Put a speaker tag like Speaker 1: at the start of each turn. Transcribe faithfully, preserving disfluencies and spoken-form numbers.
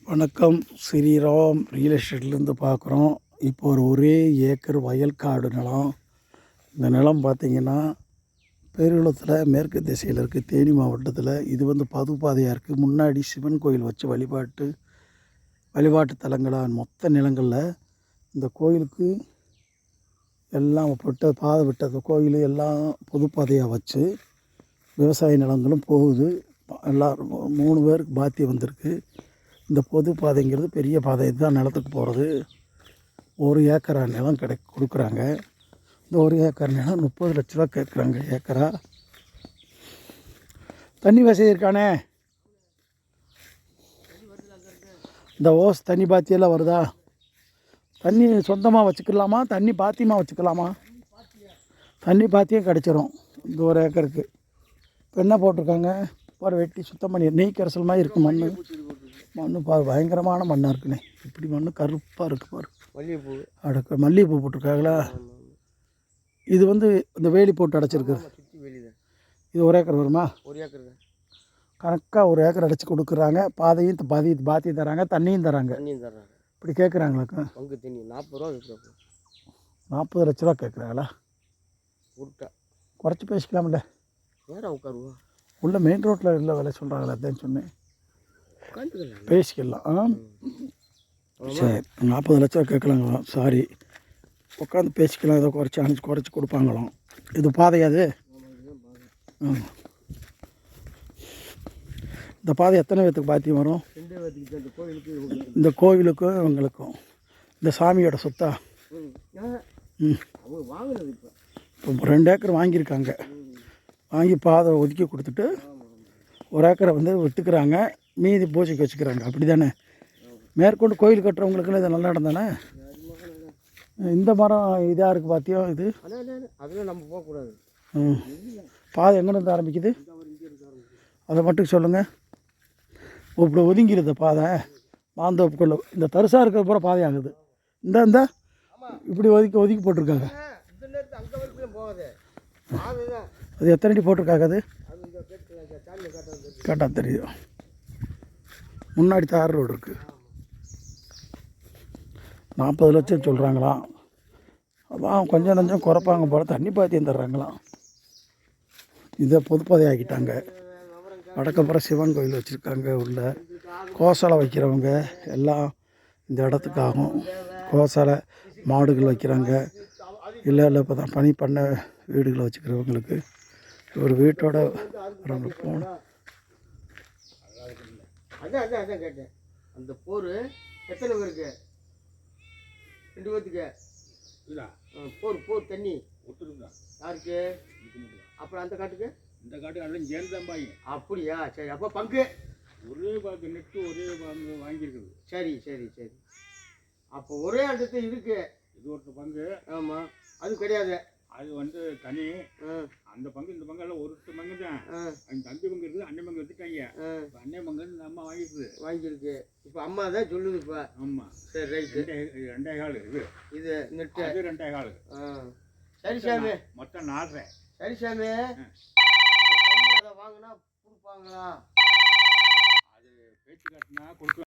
Speaker 1: வணக்கம். ஸ்ரீராம் ரியல் எஸ்டேட்லேருந்து பார்க்குறோம். இப்போ ஒரு ஒரே ஏக்கர் வயல்காடு நிலம். இந்த நிலம் பார்த்திங்கன்னா பேருளத்தில் மேற்கு திசையில் இருக்குது, தேனி மாவட்டத்தில். இது வந்து பதுப்பாதையாக இருக்குது. முன்னாடி சிவன் கோயில் வச்சு வழிபாட்டு வழிபாட்டு தலங்களாக மொத்த நிலங்களில் இந்த கோயிலுக்கு எல்லாம் விட்ட பாதை விட்டது கோயில் எல்லாம் பொதுப்பாதையாக வச்சு விவசாய நிலங்களும் போகுது. எல்லோரும் மூணு பேருக்கு பாத்தியம் வந்திருக்கு. இந்த பொது பாதைங்கிறது பெரிய பாதை, இதுதான் நிலத்துக்கு போகிறது. ஒரு ஏக்கரா நிலம் கிடை கொடுக்குறாங்க. இந்த ஒரு ஏக்கர் நிலம் முப்பது லட்ச ரூபா கேட்குறாங்க ஏக்கரா. தண்ணி வசதி இருக்கானே? இந்த ஓஸ் தண்ணி பாத்தியெல்லாம் வருதா? தண்ணி சொந்தமாக வச்சுக்கலாமா, தண்ணி பாத்தியமாக வச்சுக்கலாமா? தண்ணி பாத்தியம் கிடச்சிரும் இந்த ஒரு ஏக்கருக்கு. இப்போ என்ன போட்டிருக்காங்க பாரு, வெட்டி சுத்தம் பண்ணி நெய் கரைசல் மாதிரி இருக்குது மண். மண் பாரு, பயங்கரமான மண்ணாக இருக்குண்ணே. இப்படி மண் கருப்பாக இருக்குது பாரு. மல்லிகைப்பூ அடக்க மல்லிகைப்பூ போட்டிருக்காங்களா? இது வந்து இந்த வேலி போட்டு அடைச்சிருக்கு. இது ஒரு ஏக்கர் வருமா? ஒரு ஏக்கர் கணக்காக ஒரு ஏக்கர் அடைச்சி கொடுக்குறாங்க. பாதையும் பாதி பாத்தியும் தராங்க, தண்ணியும் தராங்க. தண்ணியும் தராங்க. இப்படி கேட்குறாங்களுக்கு பங்கு தண்ணி நாற்பது ரூபா நாற்பது லட்ச ரூபா கேட்குறாங்களா? குறைச்சி பேசிக்கலாம்ல. நேரம் உட்காருவா உள்ள மெயின் ரோட்டில் இல்லை விலை சொல்கிறாங்களே, அதான் சொன்னேன். பேசிக்கலாம். ஆ சரி, நாற்பது லட்ச ரூபா கேட்கலாங்களாம். சாரி, உட்காந்து பேசிக்கலாம். ஏதோ குறைச்சி அனுப்பிச்சி குறைச்சி கொடுப்பாங்களாம். இது பாதையாது. ஆமாம், இந்த பாதை எத்தனை பேர்த்துக்கு பாத்தியம் வரும்? இந்த கோவிலுக்கும் இவங்களுக்கும். இந்த சாமியோட சொத்தா? ம், இப்போ ரெண்டு ஏக்கர் வாங்கியிருக்காங்க. வாங்கி பாதை ஒதுக்கி கொடுத்துட்டு ஒரு ஏக்கரை வந்து விட்டுக்கிறாங்க, மீதி பூஜைக்கு வச்சுக்கிறாங்க. அப்படி தானே? மேற்கொண்டு கோயில் கட்டுறவங்களுக்குலாம் இது நல்ல இடம் தானே? இந்த மரம் இதாக இருக்குது பாத்தியம். இது அதெல்லாம் நம்ம போகக்கூடாது. ம், பாதை எங்கேருந்து ஆரம்பிக்குது அதை மட்டும் சொல்லுங்கள். இப்படி ஒதுங்கிடுது பாதை மாந்தோப்புக்குள்ள. இந்த தரிசாக இருக்கிற பூரா பாதை ஆகுது. இந்த இந்த இப்படி ஒதுக்கி ஒதுக்கி போட்டிருக்காங்க. அது எத்தனை அடி போட்டிருக்காங்க? அது கேட்டால் தெரியும். முன்னாடி தார் ரோடு இருக்குது. நாற்பது லட்சம் சொல்கிறாங்களாம். அதான் கொஞ்சம் கொஞ்சம் குறைப்பாங்க போல. தண்ணி பாத்தியம் தர்றாங்களாம். இதை பொதுப்பாதை ஆக்கிட்டாங்க. வடக்கப்புறம் சிவன் கோயில் வச்சுருக்காங்க. உள்ள கோசாலை வைக்கிறவங்க எல்லாம் இந்த இடத்துக்கு ஆகும். கோசாலை மாடுகள் வைக்கிறாங்க. இல்லை இல்லை இப்போ தான் பனி பண்ண வீடுகளை வச்சுக்கிறவங்களுக்கு ஒரு வீட்டோட வரவங்களுக்கு போகணும். அதான் அதான் அதான் கேட்டேன். அந்த போர் எத்தனை பேருக்கு? ரெண்டு பேர்த்துக்கு போர் போர் தண்ணி யாருக்கு? அப்புறம் அந்த காட்டுக்கு இந்த காட்டுக்கு எல்லாம் சேர்ந்தாம்பாங்க. அப்படியா? சரி, அப்போ பங்கு ஒரே பங்கு நெட்டு ஒரே பங்கு வாங்கியிருக்குது. சரி சரி சரி, அப்போ ஒரே இடத்து இருக்கு. இது ஒரு பங்கு. ஆமாம், அது கிடையாது. அது வந்து தனி. அந்த பங்கு இந்த பங்கு எல்லாம் ஒரு பங்கு தான். அந்த தம்பி பங்கு இருக்குது, அண்ணன் பங்கு எடுத்துட்டாங்க. அண்ணன் பங்கு இந்த அம்மா வாங்கிஇருக்குது வாங்கியிருக்கு. இப்போ அம்மா தான் சொல்லுது. இப்போ ஆமாம், சரி ரைட்டு. ரெண்டே கால் இது இது நெட்டு. அது ரெண்டே கால். சரி சாமி, மொத்தம் நாலரை. சரி சாமி, அதை வாங்கினா கொடுப்பாங்களா? அது பேச்சு காட்டினா கொடுக்க